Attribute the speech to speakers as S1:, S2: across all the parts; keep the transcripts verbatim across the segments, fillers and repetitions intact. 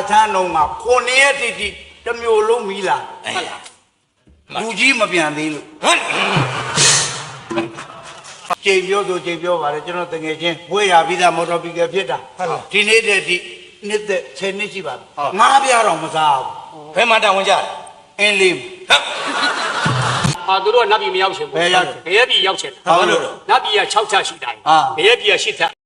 S1: ချမ်းလုံးမှာခုနှစ်ရက်တိတိတစ်မျိုးလုံးမီးလာဟုတ်လားလူကြီးမပြန်သေးလို့ကြိမ်ပြောဆိုကြိမ်ပြောပါလေကျွန်တော်တကယ်ချင်းဝေးရပြီးသားမော်တော်ဘီကယ်ဖြစ်တာဒီနေ့တည်းဒီနှစ်သက်ဆယ်နှစ်ရှိပါပြီငါးပြားတော့မစားဘူးဘယ်မှာတောင်းဝင်ကြအင်းလေး
S2: ဟာသူတို့ကနတ်ပြည်မရောက်ချင်ဘူးဘယ်ရောက်ဘယ်ရပြည်ရောက်ချင်တာဘာလို့နတ်ပြည်က၆ချက်ရှိတိုင်းဘယ်ရပြည်က၈ချက်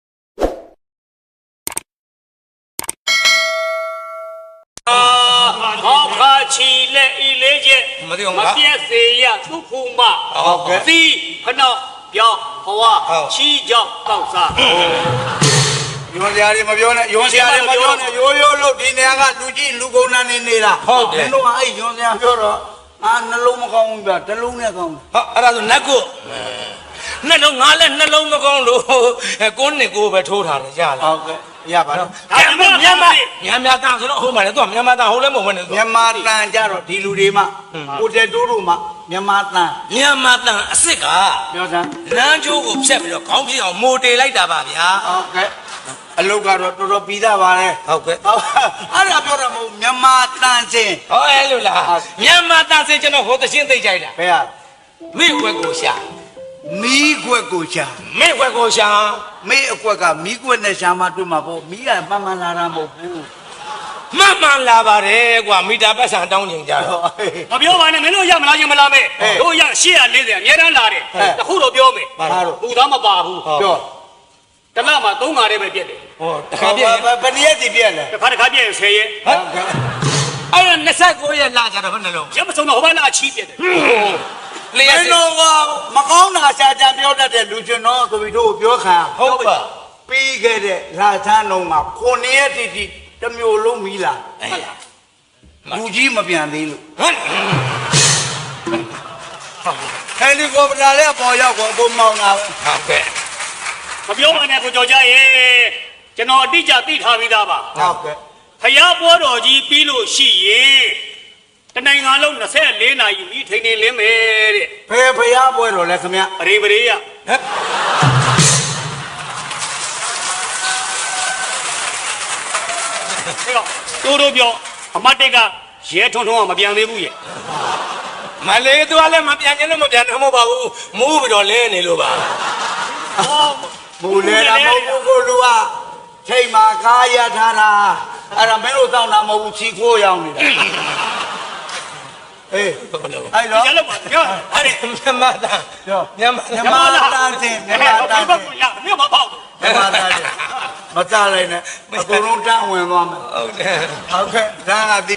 S2: ဟောခါချီလက်ဤလေးချက်မပြည့်စေရသုခုမဟုတ်ကဲ့သီးခနောက်ပြောင်းဟဝချီကြောက်တောက်စား
S1: ယွန်စရာတွေမပြောနဲ့ယွန်စရာတွေမပြောနဲ့ရိုးရိုးလို့ဒီနေရာကလူကြီးလူကုန်နာနေနေတာဟုတ်တယ်မင်းတို့ကအဲ့ယွန်စရာပြောတော့အာနှလုံးမကောင်းဘူးဗျတလုံးနဲ့ကောင်း
S3: ဟာအဲ့ဒါဆိုနတ်ကိုနှလုံးငါလည်းနှလုံးမကောင်းလို့ကိုနှစ်ကိုပဲထိုးထားတယ်ရလား
S1: ဟုတ်ကဲ့ရပါတော့
S3: မြန်မာမြန်မာမြန်မာတန်ဆိုတော့ဟိုမှာလေသူကမြန်မာတန်ဟိုလည်းမဟုတ်ဘူး
S1: မြန်မာတန်ကြတော့ဒီလူတွေမှကိုတက်တိုးတို့မှမြန်မာတန်
S3: မြန်မာတန်အစ်စ်က
S1: ပြောစမ်း
S3: လမ်းကျိုးကိုဖြတ်ပြီးတော့ခေါင်းပြအောင်မိုတေလိုက်တာပါဗျာ
S1: ဟုတ်ကဲ့အလုတ်ကတော့တော်တော်ပြီးသားပါလေ
S3: ဟုတ်ကဲ့
S1: အဲ့ဒါပြောတာမဟုတ်မြန်မာတန်စင်
S3: ဟောအဲ့လိုလားမြန်မာတန်စင်ကျွန်တော်ဟိုသရှင်းသိကြိုက်တာ
S1: ဘယ်ဟာ
S3: မိ့ွက်ကိုရှာ
S1: မီးကွက်ကိုရှာ
S3: မိ့ွက်ကိုရှာ
S1: မိ့အကွက်ကမီးကွက်နဲ့ရှာမှတွေ့မှာပေါ့မီးကမှန်မှန်လာတာမဟုတ်ဘူး
S3: မှန်မှန်လာပါတယ်ကွာမီတာပတ်စံတောင်းကျင်ကြတော့
S2: မပြောပါနဲ့မင်းတို့ရမလားရင်မလားမဲတို့ရ၈၄၀အများတန်းလာတယ်တခုတော့ပြောမယ်ဘူးသားမပါဘူး
S1: ပြော
S2: တလမှာသုံးငါးတည်းပဲပြက်တယ်
S1: ဟောတခါပြက်ဘယ်နည်းရက်စီပြက်လဲ
S2: တခါတခါပြက်ဆယ်ရက်
S1: ဟုတ်ကဲ့
S3: အဲ့ဒါ၂၉ရက်လာကြတော့ဘယ်နှလုံး
S2: ရမစုံတော့ဟိုဘက်လာချီးပြက်တယ်
S1: လေယာဉ်တော့မကောင်းတာရှာကြံပြောတတ်တဲ့လူကျွန်တော်ဆိုပြီးတို့ပြောခံ
S3: ဟုတ်ပါ
S1: ပြီးခဲ့တဲ့လာချမ်းလုံးမှာခုနှစ်ရက်တိတိတစ်မျိုးလုံးမီးလာဟုတ်လားလူကြီးမပြန်သေးလို့ဟဟယ်လီကော်ပတာလည်းပေါ်ရောက်ကုန်ဘုံမောင်းတာပဲ
S3: ဟုတ်ကဲ့
S2: မပြောပါနဲ့ကိုကြော်ကြရဲ့ကျွန်တော်အတိအကျသိထားပြီးသားပါ
S1: ဟုတ်ကဲ့
S2: ဖယားပွဲတော်ကြီးပြီးလို့ရှိရင်တနိုင်ငံလုံး၂၄နာရီမိထိန်နေလင်းမယ်တဲ့
S1: ဖယ်ဖယားပွဲတော်လဲခင်ဗျ
S2: အရင်ပရိယဟဲ့တိုးတို့ပြောအမတ်တက်ကရဲထွန်းထွန်းကမပြန်သေးဘူးရဲ့
S3: မလေးသူကလည်းမပြန်ခြင်းလို့မပြန်တော့မဟုတ်ပါဘူးမူးပြီးတော့လဲနေလို့ပါ
S1: မူလဲတာမဟုတ်ဘူးကိုလူကချိန်မှာကားရထားတာအဲ့ဒါမင်းတို့တောင်းတာမဟုတ်ဘူးချီခိုးရောက်နေတာအေးအဲ့တော့
S2: ရလို့ပါပြော
S3: အဲ့ဒီမြန်မာတန်
S1: ပြော
S3: မြန်မာ
S1: မြန်မာတန်စင်မြန်မာတန်စင်
S2: မြို့မပေါ့
S1: မြန်မာတန်စင်မကြလိုက်နဲ့အကုန်လုံးတန်းဝင်သွားမယ်
S3: ဟုတ်တယ်
S1: ဟုတ်ကဲ့တန်းကဒီ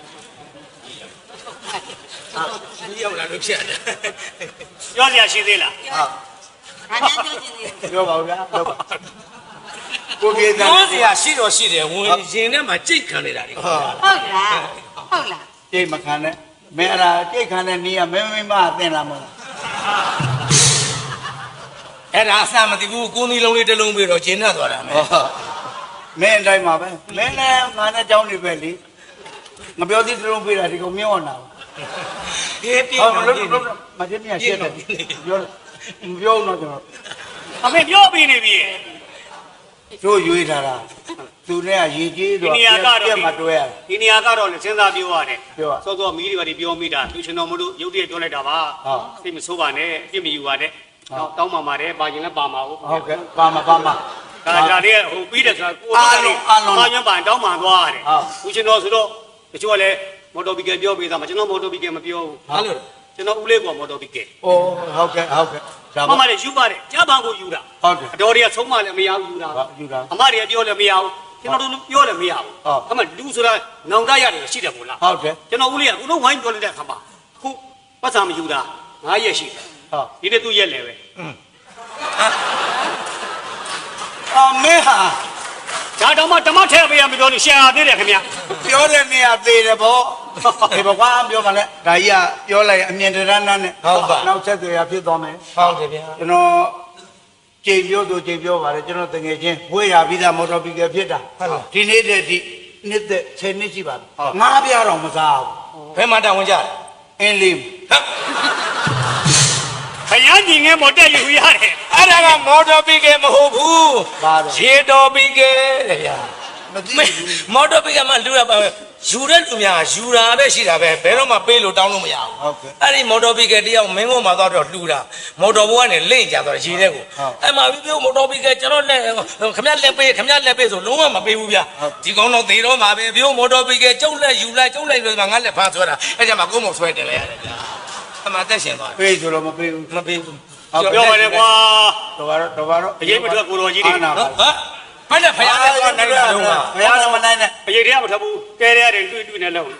S3: ဒီရောက်လာလို့ဖြစ်တယ်
S2: ပြောစရာရှိသေးလား
S1: ဟုတ်ဒါများပြောချင်သေးပြောပါဦးဗျာပြောပါကိုပြေတန်း
S3: ပြောစရာရှိတော့ရှိတယ်ဝင်ရင်ထဲမှာကြိတ်ခံနေတာတွေ
S4: ဟုတ်လားဟုတ်လား
S1: ကြိတ်မခံနဲ့မင်းအဲ့ဒါကြိတ်ခံတဲ့နေရမင်းမင်းမအသင်လာမလား
S3: အဲ့ဒါအစမသိဘူးကိုသီးလုံးလေးတစ်လုံးပြီးတော့ကျင်းနေသွားတာမယ်
S1: မင်းအတိုင်းပါပဲမင်းလည်းငါနဲ့ကြောင်းနေပဲလေငါပြောသေးတစ်လုံးပြီးတာဒီကောင်မြင်အောင်နာ
S3: အေးပြေ
S1: ဟုတ်လို့မကျင်းမြရှက်တယ်ပြောမပြောတော့ကျွန်တော်
S2: အမေပြောပြီးနေပြီ
S1: တို့ရွေးထားတာသူနဲ့ကရေကြီးတော့ပြက်မတွဲရ
S2: ဒီနေရာကတော့လည်းစဉ်းစားပြောရတယ်
S1: ပြော
S2: စောစောမီးတွေပါပြောမိတာသူရှင်တော်မလို့ရုပ်တရက်ပြောလိုက်တာပါစိတ်မဆိုးပါနဲ့အပြစ်မယူပါနဲ့တောင်းပါပါတယ်ပါရင်လည်းပါမှာဟုတ်
S1: ဟုတ်ကဲ့ပါမှာပါမှာ
S2: ဒါဒါလေးဟိုပြီးတယ်ဆိုတာကိုအားလုံးအားလုံးပါရင်ပါတောင်းပါသွားရတယ်သူရှင်တော်ဆိုတော့တချို့ကလည်းမော်တော်ဘီကယ်ပြောပေးသားမှာကျွန်တော်မော်တော်ဘီကယ်မပြောဘူး
S3: ဟာလို့
S2: ကျွန်တော်ဦးလေးကမော်တော်ဘီကယ်
S1: အိုးဟုတ်ကဲ့ဟုတ်ကဲ့
S2: ဒါမှမဟုတ်ယူပါတယ်ကြားပန်းကိုယူတာ
S1: ဟုတ်တယ်
S2: အတော်တွေကဆုံးမလည်းမရဘူးယူတာ
S1: ယူတာ
S2: အမတွေကပြောလည်းမရဘူးကျွန်တော်တို့ပြောလည်းမရဘူးအမလူဆိုတာနောင်တရတယ်ရှိတယ်မို့လား
S1: ဟုတ်တယ်
S2: ကျွန်တော်ဦးလေးကဦးလုံးဝိုင်းပြောလိုက်တဲ့အခါမှာခုပတ်စာမယူတာငါးရက်ရှိတယ်
S1: ဟုတ်
S2: ဒီနေ့သူ့ရက်လည်းပဲ
S1: အမေဟာ
S2: ဒါတော့မှဓမ္မထဲပေးရမပြောလို့ရှာသေးတယ်ခင်ဗျ
S1: ပြောတဲ့နေရာသေးတယ်ဗောဒီဘကွာပြောပါနဲ့ဒါကြီးကပြောလိုက်အမြင်တရဏနဲ့
S3: ဟုတ်ပါ
S1: နောက်ဆက်သွယ်ရဖြစ်သွားမယ်
S3: ဟုတ်တယ်ဗျာ
S1: ကျွန်တော်ကြိမ်ပြောဆိုကြိမ်ပြောပါလေကျွန်တော်တကယ်ချင်းဝေးရပြီးသားမော်တော်ဘီကယ်ဖြစ်တာဒီနေ့တည်းဒီနှစ်သက်ဆယ်နှစ်ရှိပါပြီငါးပြားတော့မစား
S3: ဘူးဘယ်မှာတောင်းဝင်ကြ
S1: အင်းလေး
S2: ခရမ်းကြီးငယ်မော်တက်ယူရတယ်
S3: အဲ့ဒါကမော်တော်ဘီကယ်မဟုတ်ဘူး
S1: ဘာလဲ
S3: ရေတော်ဘီကယ်တဲ့ဗျာ
S1: မ
S3: မော်တော်ဘိကမှလူရပါပဲယူတဲ့လူများယူတာပဲရှိတာပဲဘယ်တော့မှပေးလို့တောင်းလို့မရဘူးအဲ့ဒီမော်တော်ဘိကတယောက်မင်းကုန်းမှာသွားတော့လှူတာမော်တော်ဘိုးကနေလင့်ကြတော့ရေတဲ့ကိုအဲ့မှာပြီးပြောမော်တော်ဘိကကျွန်တော်လက်ခမရလက်ပေးခမရလက်ပေးဆိုလုံးဝမပေးဘူးဗျာဒီကောင်တော့သေတော့မှာပဲပြောမော်တော်ဘိကကျုပ်လက်ယူလိုက်ကျုပ်လိုက်လို့ငါလက်ဖားဆွဲတာအဲ့ကြမှာကိုယ်မဆွဲတယ်လေရတယ်ဗျာအမှတက်ရှင်သွား
S1: ပေးဆိုတော့မပေးဘူး
S3: မပေးဘူး
S2: ပြောပါလေကွာ
S1: တော်ပါတော့တော်ပါတော့
S2: အရေးမထွက်ကိုတော်ကြီးတွေ
S1: အာနာပါ
S3: ဟာဘယ်နဲ့ဖယားနဲ့သွားနိုင်တယ်လုံးဝ
S1: ဘုရားလည်းမနိုင်နဲ့
S2: အရေးတွေကမထွက်ဘူးကဲရတယ်တွေ့တွေ့နဲ့လုံး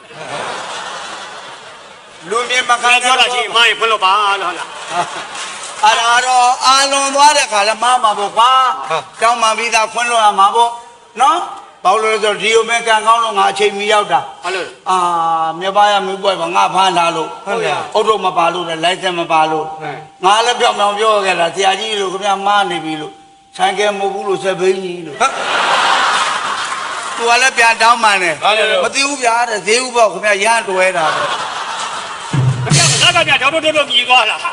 S1: လူမြင်မခံ
S2: ခါပြောတာချင်းမိုင်းဖွင့်လို့ပါလို့ဟုတ်လား
S1: အာရာတော့အာလွန်သွားတဲ့ခါလဲမမှာပေါ့ကွာကြောင်းမှပြီးသားခွန်းလို့ရမှာပေါ့နော်ဘာလို့လဲဆိုတော့ဒီလိုပဲကံကောင်းလို့ငါအချိန်မီရောက်တာ
S2: ဟုတ်လို့
S1: အာမြပါရမီးပွဲပါငါဖမ်းလာလို့ဟုတ်ကဲ့အုတ်တော့မပါလို့လဲလိုင်စင်မပါလို့ငါလည်းပြောင်ပြောင်ပြောခဲ့တာဆရာကြီးလို့ခင်ဗျာမားနေပြီလို့ဆိုင်ကဲမဟုတ်ဘူးလို့စပိန်ကြီးလို့သူကလည်းပြန်တောင်းမှန်တယ်မသိဘူးဗျာတဲ့ဈေးဥပေါ့ခင်ဗျာရမ်းတွဲတာပဲ
S2: ဒါကကြာတော့တော့တော့မြည်သွားလား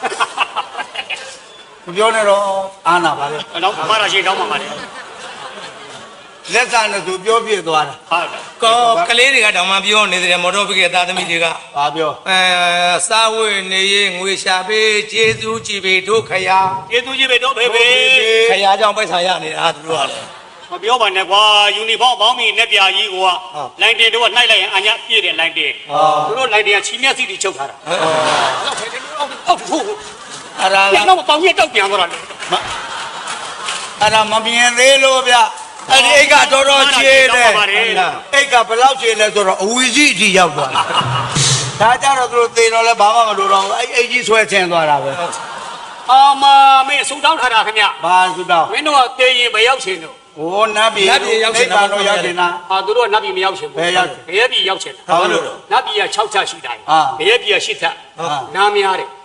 S1: မပြောနဲ့တော့အာနာပါလေ
S2: တော့မှားတာရှိတော့မှာပါတယ်
S1: လက်စားနဲ့သူပြောပြသွားတာ
S2: ဟုတ်တယ်
S3: ကောကလေးတွေကတောင်မှပြောနေတယ်မော်တော်ဘိကသားသမီးတွေက
S1: ဘာပြော
S3: အဲစားဝတ်နေရေးငွေရှာပေးကျေးဇူးကြည်ပေးတို့ခရာ
S2: ကျေးဇူးကြီးပဲတော့ဖေဖေ
S3: ခရာကြောင့်ပိုက်ဆံရနေတာသူတို့ကလည်း
S2: မပြောပါနဲ့ကွာယူနီဖောင်းပေါင်းပြီးနဲ့ပြာကြီးကွာလိုင်းတင်တော့နှိုက်လိုက်ရင်အညာပြည့်တယ်လိုင်းတင်သူတို့လိုင်းတင်ကချီမျက်စိတွေချုပ်ထားတာဟုတ်ဖေဖေအောက်ဖို့
S1: အဲ့ဒါ
S2: ပြန်တော့ပေါင်းရတောက်ပြန်သွားတာလေ
S1: အဲ့ဒါမမြင်သေးလို့ဗျအဲ့ဒီအိတ်ကတော်တော်ချေးတယ်အိတ်ကဘယ်လောက်ချေးလဲဆိုတော့အဝီကြီးအထိရောက်သွားတာဒါကြတော့သူတို့သေတော့လဲဘာမှမလိုတော့ဘူးအဲ့အိတ်ကြီးဆွဲချင်သွားတာပဲ
S2: အာမမင်းဆူတောင်းထားတာခင်ဗျ
S1: ဘာသူတော့
S2: မင်းတို့ကတေးရင်မရောက်ချင်တော့
S1: ဟိုနတ်ပြည်ရောက်ချင်တာတော့ရောက်ချင်တာ
S2: ဟာသူတို့ကနတ်ပြည်မရောက်ချင်ဘူးဘယ်ရဲပြည်ရောက်ချင်တာ
S1: ဘာလို့လဲ
S2: နတ်ပြည်က၆ချက်ရှိတိုင်းဘယ်ရဲပြည်က၈ထက်နားများတယ်
S1: ဩ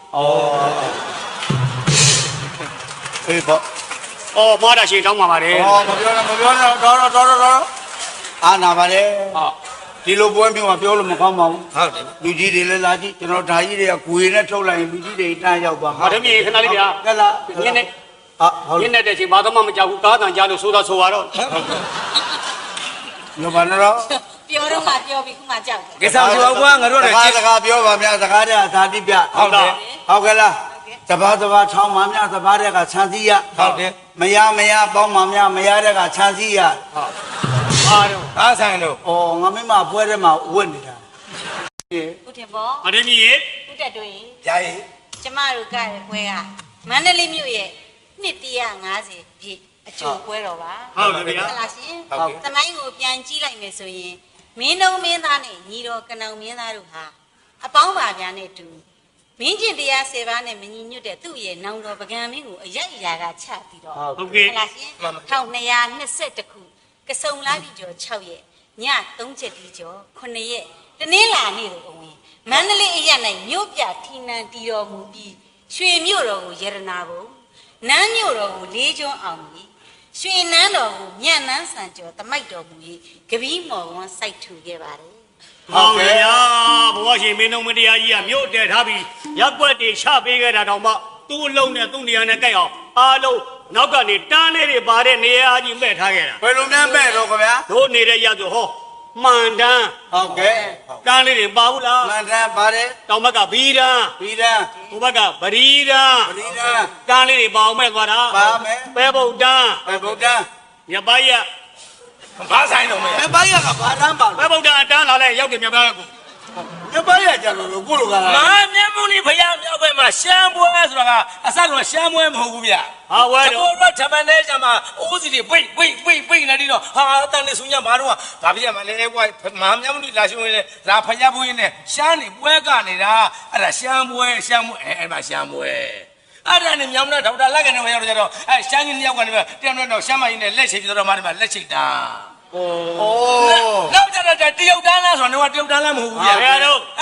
S1: အေးပေါ့
S2: အော်မားတာရှင်တောင်းပါပါတယ်
S1: ဩမပြောနဲ့မပြောနဲ့တော်တော်တော်တော်အာနာပါလေ
S2: ဟုတ်
S1: ဒီလိုပွဲမျိုးကပြောလို့မကောင်းပါဘူး
S3: ဟုတ်တယ်
S1: လူကြီးတွေလည်းလာကြည့်ကျွန်တော်ဓာကြီးတွေကဂွေနဲ့ထုတ်လိုက်ရင်လူကြီးတွေတန်းရောက်ပါ
S2: ဟာတမီးခဏလေးဗျာ
S1: ကဲလား
S2: ညနေ
S1: ဟာဟုတ်
S2: ညနေတဲ့ချိန်ဘာမှမကြောက်ဘူးကားတန်ကြားလို့ဆိုတော့ဆိုပါတော့
S1: ညဘာနော်
S4: ပြောတော့မှပြောပြီးခုမှကြောက်တယ်
S3: ကိစ္စမရှိပါဘူးကွာငါတို့
S1: စ
S3: လည်း
S1: ကား
S3: ကျေး
S1: စကားပြောပါများစကားတဲ့သာတိပြ
S2: ဟုတ်တယ်
S1: ဟုတ်ကဲ့လားတဘာတဘာထောင်းပါများတဘာတဲ့ကခြံစည်းရ
S3: ဟုတ်တယ်
S1: မရမရပေါင်းပါများမရတဲ့ကခြံစည်းရ
S2: ဟုတ်အားတော့
S3: အားဆိုင်တို့
S1: ဩငါမိမပွဲထဲမှာဝတ်နေတာ
S4: ဦးတင်ဘော
S2: ဟာတမီးရေ
S4: ဦးတက်တွေ
S3: ဂျာကြီး
S4: ကျမတို့ကတဲ့ပွဲကမန္တလေးမြို့ရဲ့နှစ်တရာငါးဆယ်ပြည့်အကျိုးပွဲတော်ပါ
S2: ဟုတ်တယ်ဗျာ
S4: ဟုတ်လားရှင်သမိုင်းကိုပြန်ကြည့်လိုက်မယ်ဆိုရင်မင်းတို့မင်းသားနဲ့ညီတော်ကနောင်မင်းသားတို့ဟာအပေါင်းပါများနဲ့တူမင်းကျင်တရားဆယ်ပါးနဲ့မညီညွတ်တဲ့သူ့ရဲ့နောင်တော်ပကံမင်းကိုအယက်အရာကချပြီးတော့
S2: ဟုတ်ကဲ့
S4: ဟုတ်လားရှင်တစ်ထောင်နှစ်ရာနှစ်ဆယ့်တစ်ခုကစုံလာပြီကျော်၆ရက်ညသုံးချက်ဒီကျော်ခုနှစ်ရက်တနင်္လာနေ့ကိုအဝင်မန္တလေးအရက်၌မြို့ပြထီနန်တီတော်မူပြီးရွှေမြို့တော်ကိုရတနာဘုံနန်းမြို့တော်ကိုလေးကျွန်းအောင်ပြီးရွှေနန်းတော်ကိုမြတ်နန်းဆန်ကျော်တမိုက်တော်မူ၍ကပီးမော်ဝန်းစိုက်ထူခဲ့ပါတယ်
S2: ဟုတ်ကဲ့ဗျာဘဝရှင်မင်းတို့မတရားကြီးကမြို့တဲထားပြီးရက်ွက်တွေချပေးခဲ့တာတော့မှသူ့အလုံးနဲ့သူ့နေရာနဲ့ကြိုက်အောင်အားလုံးနောက်ကနေတန်းလေးတွေပါတဲ့နေရာကြီးမဲ့ထားခဲ့တာ
S1: ဘယ်လိုများမဲ့တော့ခင်ဗျာ
S2: တို့နေတဲ့ရဆိုဟောမှန်တန်း
S1: ဟုတ်ကဲ့
S2: တန်းလေးတွေပါဘူးလား
S1: မန္တန်ပါတယ်
S2: တောင်ဘက်ကဘီတန်း
S1: ပြီးတန်း
S2: ဟိုဘက်ကပရီတန်း
S1: ပရိဒန်း
S2: တန်းလေးတွေပါအောင်မဲ့သွားတာ
S1: ပါမယ်
S2: ပဲဗုဒ္ဓန်း
S1: ဘယ်ဗုဒ္ဓံ
S2: မြတ်ပါရ
S3: ဘာဆိုင်တော့မရ
S1: ဘယ်ပါရကဘာတန်းပါ
S2: ပဲဗုဒ္ဓန်းတန်းလာလဲရောက်တယ်မြတ်ပါရကို
S1: ဘယ်ပါရကြလို့ကိုလိုကလား
S3: မမြတ်မုန်ကြီးဖယားမြောက်ဘက်မှာရှမ်းပွဲဆိုတာကအစကတော့ရှမ်းပွဲမဟုတ်ဘူးဗျ
S2: ဟာဝဲ
S3: တ
S2: တော့
S3: ဘောတော့ဓမ္မနဲ့ကျမအိုးစီတွေပိတ်ပိတ်ပိတ်ပိတ်နေတော့ဟာတန်နေဆုညဘာတော့ဘာဖြစ်ရမလဲကွာမမြတ်မုန်ကြီးလာရှုံးနေလာဖယားဘုန်းကြီးနဲ့ရှမ်းနေပွဲကနေတာအဲ့ဒါရှမ်းပွဲရှမ်းပွဲအဲ့မှာရှမ်းပွဲအဲ့ဒါနဲ့မြောင်နဲ့ဒေါက်တာလက်ကနေမရောက်တော့ကြတော့အဲ့ရှမ်းကြီးနှစ်ယောက်ကနေတယောက်တော့ရှမ်းမကြီးနဲ့လက်ချိတ်ပြီးတော့မှဒီမှာလက်ချိတ်တာ
S1: အိုး
S3: နောက်ကြတော့တရုတ်တန်းလားဆိုတော့တရုတ်တန်းလားမဟုတ်ဘူးဗျ
S2: ဘယ်တော့
S3: အဲ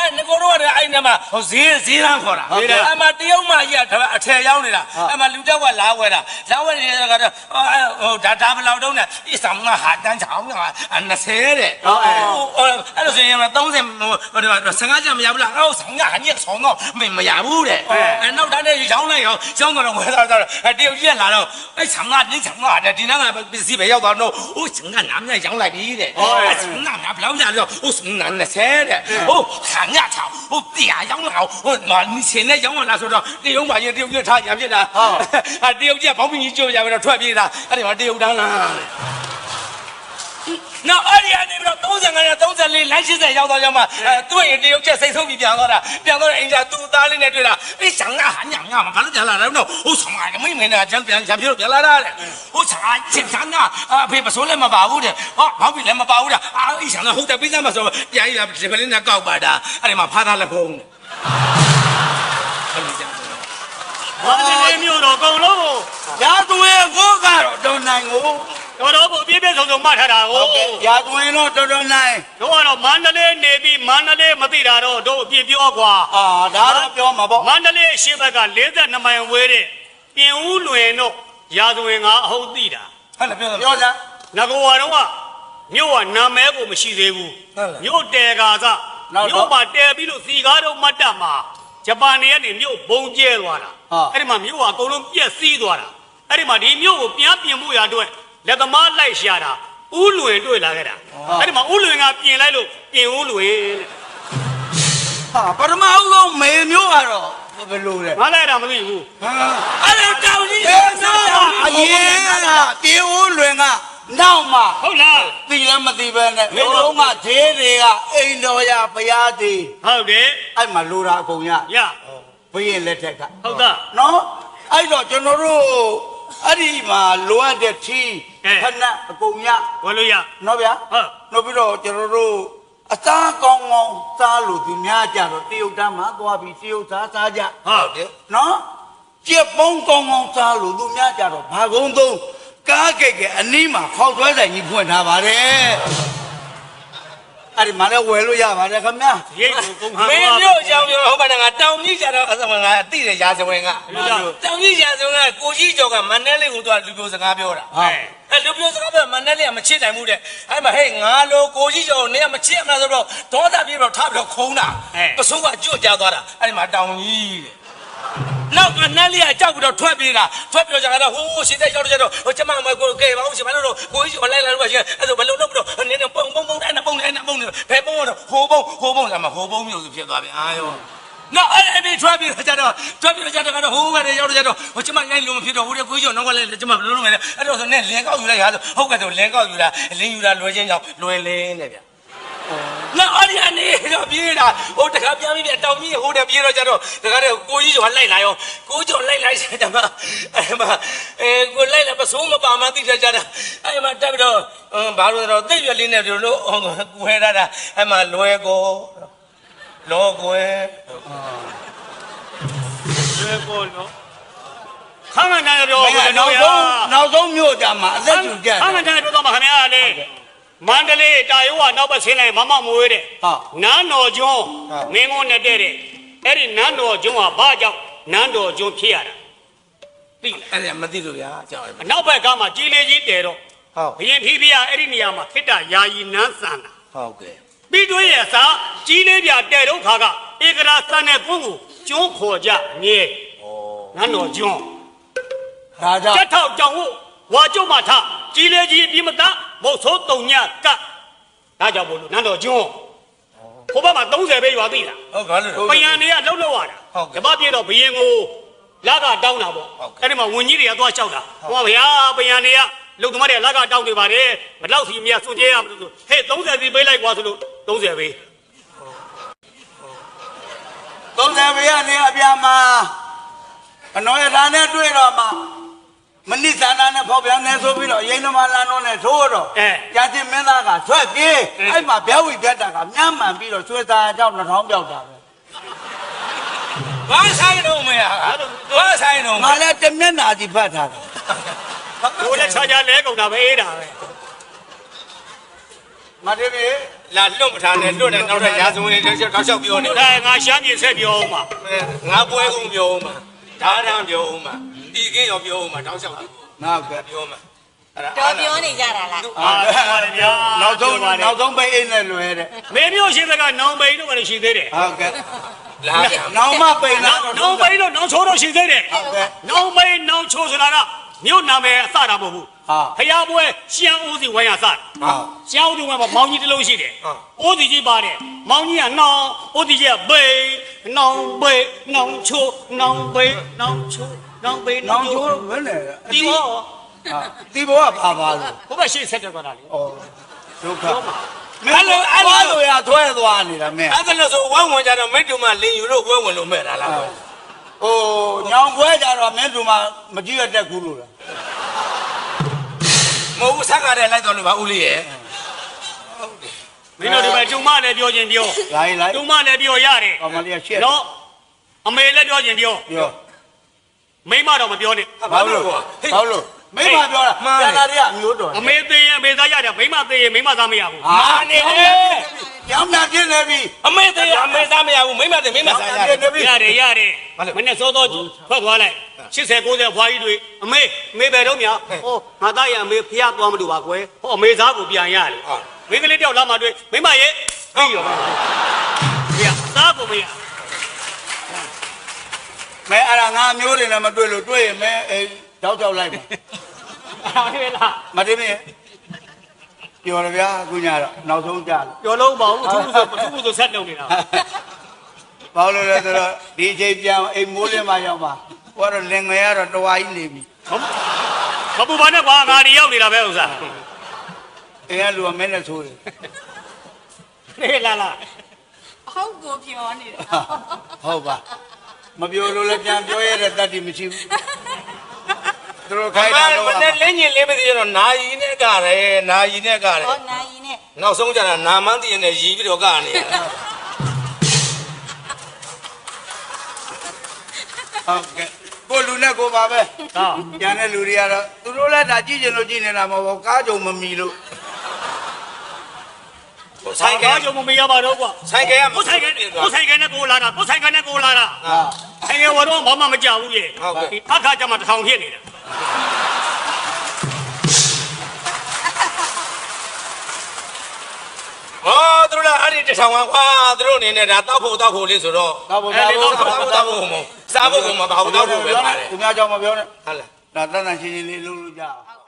S3: အဲ့ငကိုတော့အဲ့နမှာဟိုဈေးဈေးလမ်းခေါ်တာအဲ့မှာတရုတ်မကြီးကအထယ်ရောက်နေတာအဲ့မှာလူတောက်ကလာဝဲတာလာဝဲနေတဲ့ကတော့ဟိုဒါဒါဘလောက်တုံးနဲ့အဆောင်ကဟာတန်းချောင်းက၂၀တဲ့ဟုတ်အဲ့လိုဆိုရင်၃၀ဟိုဆယ်၅ကျမရဘူးလားအော်ဆောင်ကဟာညက်ဆောင်တော့မရဘူးတဲ့အဲ့နောက်တန်းနဲ့ရောင်းလိုက်ရောရောင်းတော့ဝဲတော့တရုတ်ကြီးကလာတော့အဲ့ဆောင်ကပြင်းဆောင်ကဒီနောက်ကပစ္စည်းပဲရောက်သွားတော့ဟိုဆောင်ကနားမြရောင်းလိုက်ပြီတဲ့အဲ့ဆောင်ကနားဘလောက်ကြတော့ဟိုဆောင်က၂၀တဲ့ဟိုခံရချောင်းဟိုတရားရောင်းလာဟိုမာနီရှင်နဲ့ရောင်းလာဆိုတော့တရုတ်ပါရင်တရုတ်ကြီးထားရံဖြစ်တာဟုတ်တရုတ်ကြီးကဘောင်းပင်ကြီးကျိုးရပြီးတော့ထွက်ပြေးတာအဲ့ဒီမှာတရုတ်တန်းလားနော်အဲ့ဒီအနေနဲ့တော့၃၅နဲ့၃၄လမ်း၈၀ရောက်တော့ရောက်မှအဲသူ့ရင်တရုတ်ကျက်စိတ်ဆုံးပြီးပြန်သွားတာပြန်သွားတဲ့အင်ဂျာသူ့သားလေးနဲ့တွေ့တာအေးဆောင်ကဟာညံညံဘာလို့ပြန်လာလဲတော့ဟိုဆောင်ကမင်းမင်းနဲ့ကျန်ပြန်ကျန်ပြေတော့ပြန်လာတာတဲ့ဟိုဆောင်ကချင်းဆောင်ကအဖေပစိုးလည်းမပါဘူးတဲ့ဟောဘောင်းပင်လည်းမပါဘူးတဲ့အာအေးဆောင်ကဟုတ်တယ်ပြီးသားမှဆိုပြန်ရဒီကလေးနဲ့ကောက်ပါတာအဲ့ဒီမှာဖားသားလက်ဖုံးတဲ့အဲ့ဒီကြ
S2: ဘာလဲမျိုးတော့အကုန်လုံးကို
S1: ရာသွင်းကိုကတော့တော်နိုင်ကို
S2: တော်တော်ကိုပြည့်ပြည့်စုံစုံမှတ်ထားတာကို
S1: ရာသွင်းတော့တော်တော်နိုင်
S2: တို့ကတော့မန္တလေးနေပြီးမန္တလေးမသိတာတော့တို့အပြည့်ပြောကွာ
S1: အာဒါတော့ပြောမှာပေါ့
S2: မန္တလေးအရှိဘက်က၄၂မိုင်ဝေးတဲ့ပြင်ဦးလွင်တို့ရာဇဝင်ကအဟုတ်သိတာ
S3: ဟုတ်လားပြော
S1: ပြောစမ်း
S2: ငါကတော့ကမြို့ကနာမဲကိုမရှိသေးဘူးမြို့တဲကာစမြို့မှာတဲပြီးလို့စီကားတော့မတ်တပ်မှာဂျပန်တွေကနေမြို့ဘုံကျဲသွားတာအဲ့ဒီမှာမြို့ကအကုန်လုံးပြက်စီးသွားတာအဲ့ဒီမှာဒီမြို့ကိုပြန်ပြင်မှုရအတွက်လက်သမားလိုက်ရှာတာဥလွင်တွေ့လာခဲ့တာအဲ့ဒီမှာဥလွင်ကပြင်လိုက်လို့ပြင်ဥလွင်တဲ့
S1: ဟာပထမဦးဆုံးမေမျိုးကတော့ဘယ်လိုလဲ
S2: ငါလည်းတာမသိဘူး
S3: အဲ့ဒါတောင်ကြီး
S1: ဘယ်တော့အရင်ကပြေဦးလွင်ကနောက်မှ
S2: ဟုတ်လား
S1: သိလည်းမသိပဲနဲ့ဘယ်တော့မှဈေးတွေကအိမ်တော်ရဘုရားသေး
S2: ဟုတ်တယ်
S1: အဲ့မှာလိုတာအကုန်ရ
S2: ရ
S1: ဘုရင်လက်ထက်က
S2: ဟုတ်သား
S1: နော်အဲ့တော့ကျွန်တော်တို့အဲ့ဒီမှာလိုအပ်တဲ့ထီးဖက်နှက်အကုန်ရ
S2: ဝယ်လို့ရ
S1: နော်ဗျာ
S2: ဟုတ်
S1: နောက်ပြီးတော့ကျွန်တော်တို့အသားကောင်းကောင်းစားလို့သူများကြတော့တရုတ်တန်းမှာသွားပြီးတရုတ်သားစားကြ
S2: ဟုတ်တယ်
S1: နော်ကြက်ပုံးကောင်းကောင်းစားလို့သူများကြတော့ဘာကုန်းသုံးကားကြိတ်ကအနီးမှာခေါက်သွဲဆိုင်ကြီးဖွင့်ထားပါတယ်အဲ့ဒီမှာလည်းဝယ်လို့ရပါတယ်ခင်ဗျာ
S2: ရိတ်ကိုကုန်ဟန်
S3: မင်းမျိုးအကြောင်းပြောဟုတ်ပါနဲ့ငါတောင်ကြီးကြတော့အစမငါအတိတဲ့ရာဇဝင်ကတောင်ကြီးရာဇဝင်ကကိုကြီးကျော်ကမန္တလေးကိုသွားလူပြောစကားပြောတာ
S1: ဟုတ်
S3: အဲလူပြောစကားပြောမန္တလေးကမချစ်နိုင်ဘူးတဲ့အဲ့မှာဟဲ့ငါလိုကိုကြီးကျော်နေကမချစ်မှာဆိုတော့ဒေါသပြေတော့ထားပြီးတော့ခုံးတာပစိုးကကြွကြသွားတာအဲ့ဒီမှာတောင်ကြီးတဲ့နောက်ကနတ်လေးကကြောက်ပြီးတော့ထွက်ပြေးတာထွက်ပြီးတော့ကြာတော့ဟိုးရှင်တဲ့ရောက်တော့ကျတော့ဟိုကျမမကိုကဲပါဦးရှင်မလို့တော့ကိုကြီးကျော်လိုက်လာလို့ပါရှင်အဲ့ဒါဘယ်လိုလုပ်ပြီးတော့နင်းပုံပုံပုံတိုင်းပုံတိုင်းပုံတိုင်းဘယ်ပုံတော့ဟိုပုံဟိုပုံဆိုမှဟိုပုံမျိုးစုဖြစ်သွားပြီအာယောနော်အဲ့အဲ့ဒီထွက်ပြီးတော့ကြတော့ထွက်ပြီးတော့ကြတော့ဟိုးပဲရောက်တော့ကြတော့ဟိုကျမငိုင်းလို့မဖြစ်တော့ဟိုတဲ့ကိုကြီးကျော်နောက်ကလည်းကျမဘယ်လိုလုပ်မလဲအဲ့တော့ဆိုနဲ့လင်ကောက်ယူလိုက်ဟာဆိုဟုတ်ကဲ့ဆိုလင်ကောက်ယူတာလင်ယူတာလွယ်ချင်းကြောင့်လွယ်လင်းတဲ့ဗျနော်အဲ့ဒီအနေတော့ပြေးတာဟိုတခါပြန်ပြီးတောင်ကြီးဟိုတဲ့ပြေးတော့ကြတော့တခါတည်းကိုကြီးကျော်လိုက်လာရောကိုကျော်လိုက်လိုက်ဆက်တယ်မှာအဲ့မှာအဲကိုလိုက်လာပစိုးမပါမှသိကြတာအဲ့မှာတက်ပြီးတော့ဘာလို့လဲတော့သိရွက်လေးနဲ့တို့လို့ကိုဟဲတာအဲ့မှာလွယ်ကိုလောကွယ်
S2: လွယ်ကိုနော်ခမ်းမန်တယ်ပြော
S1: နောက်ဆုံးနောက်ဆုံးမြို့ကြမှာအသက်ကျူကြတယ်
S2: ခမ်းမန်တယ်ပြောတော့မှခင်ဗျားလေမန္တလေးတာယောကနောက်ဘက်ဆင်းလိုက်မမမွေးတဲ့နန်းတော်ကျွန်းမင်းကုန်းနဲ့တဲ့တဲ့အဲ့ဒီနန်းတော်ကျွန်းကဘာကြောင့်နန်းတော်ကျွန်းဖြစ်ရတာသိလား
S3: အဲ့ဒါမသိလို့ဗျာကြောက်တယ်
S2: အနောက်ဘက်ကမှကြီးလေးကြီးတဲတော့
S3: ဟုတ်
S2: ဘရင်ဖီးဖီးကအဲ့ဒီနေရာမှာခိတ္တယာယီနန်းဆန်တာ
S3: ဟုတ်ကဲ့
S2: ပြီးတွင်းရဲ့အစားကြီးလေးပြတဲတော့ခါကဧကရာစံတဲ့ကုန်းကိုကျွန်းခေါ်ကြမြဲနန်းတော်ကျွန်း
S1: ဒါကြောင့်
S2: တက်ထောက်ကြောင်ဟုတ်ဝါကျုံမထကြီးလေးကြီးပြီးမသားမဟုတ်ဆိုးတုံညကဒါကြောင့်ဘလို့နန်းတော်ကျွန်းဟိုဘက်မှာ၃၀ပဲရွာသိလား
S3: ဟုတ်ဘာလို့
S2: ပယံတွေကလှုပ်လှုပ်ရတာဓမ္မပြေတော့ဘယင်ကိုလာကတောင်းတာပေါ့အဲ့ဒီမှာဝင်ကြီးတွေကသွားလျှောက်တာဟောဗျာပယံတွေကလုံသမားတွေကလာကတောင်းနေပါတယ်ဘယ်လောက်စီမြတ်စွန့်ကြဲရမလို့ဆိုဟဲ့၃၀စီပေးလိုက်ကွာဆိုလို့၃၀ပဲ
S1: သုံးဆယ်ဘေးကနေအပြာမှာအနော်ရထားနဲ့တွေ့တော့မှမနစ်ဇာနာနဲ့ဖောက်ပြန်နေဆိုပြီးတော့ရိန်းသမားလမ်းတော့နဲ့ထိုးတော့ကြာချင်းမင်းသားကဆွဲပြေးအဲ့မှာဘဲဝီပြတ်တာကမြမ်းမှန်ပြီးတော့ဆွဲသားအကြောင်းနှထောင်းပြောက်တာပဲ
S3: ဘာဆိုင်တော့မရဘာဆိုင်တော့
S1: ငါလည်းတမျက်နာစီဖတ်ထားတယ်
S2: ဘိုးလည်းခြားခြားလဲကုန်တာပဲအေးတာပဲ
S1: မတည်းမေ
S3: လာလွတ်မထားနဲ့လွတ်နဲ့နောက်ထပ်ရာဇဝင်တွေတောက်လျှောက်ပြောနေ
S2: ဒါငါရှမ်းပြည်ဆက်ပြောအောင်ပါ
S3: ငါပွဲကုန်ပြောအောင်မှာဓာတ်ရန်ပြောအောင်မှာဒီကင်းရောပြောအောင်မှာတောက်လျှောက်
S1: ငါက
S3: ပြောမှာအဲ့ဒါ
S4: တော်ပြောနေကြတာလား
S2: အာပါတယ်ဗျာ
S1: နောက်ဆုံးနောက်ဆုံးပိတ်အိတ်နဲ့လွယ်တဲ့
S2: မေမျိုးရှိတဲ့ကနောင်ပိန်တို့ကလည်းရှိသေးတယ်
S1: ဟုတ်ကဲ့
S3: လာ
S1: နောင်မပိတ်လာ
S2: နောင်ပိန်တို့နောင်ချိုးတို့ရှိသေးတယ်နောင်ပိန်နောင်ချိုးဆိုတာကမြို့နာမည်အစတာမဟုတ်ဘူးဖျားပွဲရှမ်းဦးစီဝိုင်းရစရှမ်းဦးစီဝိုင်းမှာမောင်ကြီးတစ်လုံးရှိတယ်ဦးစီကြီးပါတယ်မောင်ကြီးကနောင်ဦးစီကြီးကပိန်နောင်ပိန်နောင်ချိုးနောင်ပိန်နောင်ချိုးနောင်ပိန်
S1: နောင်ချိုးဘယ်နဲ့
S2: ဒီဘော
S1: ဒီဘောကပါပါလို့
S2: ဘုရားရှေ့ဆက်တယ်ကွာလေ
S1: ဩဒုက္ခမင်းလိုအဲ့လိုရထွဲသွားနေတာမင်း
S3: အဲ့ဒါလို့ဆိုဝမ်းဝင်ကြတော့မိတ်တူမလင်ယူလို့ဝဲဝင်လို့မဲ့တာလား
S1: ဟိုညောင်ပွဲကြတော့မင်းတို့မှမကြည့်ရတဲ့ကူလို့လား
S3: မဟုတ်ဘူးဆက်ကားတဲ့လိုက်တော်လို့ပါဦးလေးရဲ့
S2: မင်းတို့ဒီမှာကျုံမလည်းပြောခြင်းပြော
S1: လိုက်လိုက်
S2: ကျုံမလည်းပြောရတယ်
S1: အမလေးရှက်
S2: နော်အမေလည်းပြောခြင်းပြော
S1: ပြော
S2: မိမတော့မပြောနဲ့
S1: ဘာလို့ဘာလို့မိမပြောတာကျန်တာတွေကအမျိုးတော်
S2: အမေသေးရင်အမေသားရတယ်မိမသေးရင်မိမသားမရဘူး
S1: ဟာနေလေကျောင်းသားပြင်းနေပြီ
S3: အမေသေးအမေသားမရဘူးမိမသေးမိမစားရတယ်
S2: ရတယ်ရတယ်မနဲ့စောစောထွက်သွားလိုက်၈၀၉၀ဘွားကြီးတွေအမေအမေပဲတော့မြဟောငါသားရအမေဖျားသွားမလို့ပါကွယ်ဟောအမေသားကိုပြန်ရတယ်မိကလေးတယောက်လာမှတွေ့မိမရဲ့ပြီးရောပြသားကိုမရ
S1: မဲအဲ့ဒါငါမျိုးတွေနဲ့မတွေ့လို့တွေ့ရင်မဲအဲတောက်တောက်လိုက်ပါ
S2: အဲ့ဒါလား
S1: မတင်မင်းပြောရဗျာအခုညတော့နောက်ဆုံးကြလို့
S2: ပြောလုံးပါဘူးသူ့ဆိုသူ့ဆိုဆက်လုပ်နေတာ
S1: ဘာလို့လဲဆိုတော့ဒီအချိန်ပြန်အိမ်မိုးလင်းမှရောက်ပါဟိုကတော့လင်ငယ်ကတော့တဝါကြီးနေပြီ
S2: မပူပါနဲ့ကွာငါဒီရောက်နေတာပဲဥစ္စာ
S1: အိမ်ကလူကမင်းနဲ့ဆိုးတယ်
S2: နေလာလာ
S4: ဟုတ်ကိုပြောနေတာ
S1: ဟုတ်ပါမပြောလို့လည်းပြန်ပြောရတဲ့တတ်တိမရှိဘူးသူတို့ခိုင်းတာတော့
S3: မနဲ့လင်းညင်လင်းမသိရတော့နာယီနဲ့ကတယ်နာယီနဲ့ကတယ်
S4: ဟောနိုင်နဲ့
S3: နောက်ဆုံးကြတာနာမန်းတည်နဲ့ရီပြီးတော့ကနေရတာ
S1: ဟုတ်ကဲ့ကိုလူနဲ့ကိုပါပဲ
S2: ဟော
S1: ကျန်တဲ့လူတွေကတော့သူတို့လည်းဒါကြည့်ချင်လို့ကြည့်နေတာမဟုတ်ဘူးကားကြုံမမီလို့
S2: ဆိုင်ကကြုံမရပါတော့ကွာ
S3: ဆိုင်ကရ
S2: ကိုဆိုင်ကကိုဆိုင်ကနဲ့ကိုလာတာကိုဆိုင်ကနဲ့ကိုလာတာ
S1: ဟာ
S2: ဆိုင်ကဝတော့ဘာမှမကြောက်ဘူးရဲ့အခါကျမှတစ်ထောင်ဖြစ်နေတာ
S3: ဟောသူတို့လည်းအဲ့ဒီတထောင်ကွာသူတို့အနေနဲ့ဒါတောက်ဖို့တောက်ဖို့လေးဆိုတော့
S1: တော့ဘုရားဘု
S3: တောက်
S1: ရား
S3: ဖို့တောက်ဖို့မဟုတ်စားဖို့ကမပါဘူးတောက်ဖို့ပဲပါတယ်
S1: သူများကြောင့်မပြောနဲ့
S3: ဟုတ်လား
S1: ဒါတဏ္ဍာရှင်ရှင်လေးလုပ်လို့ကြအောင်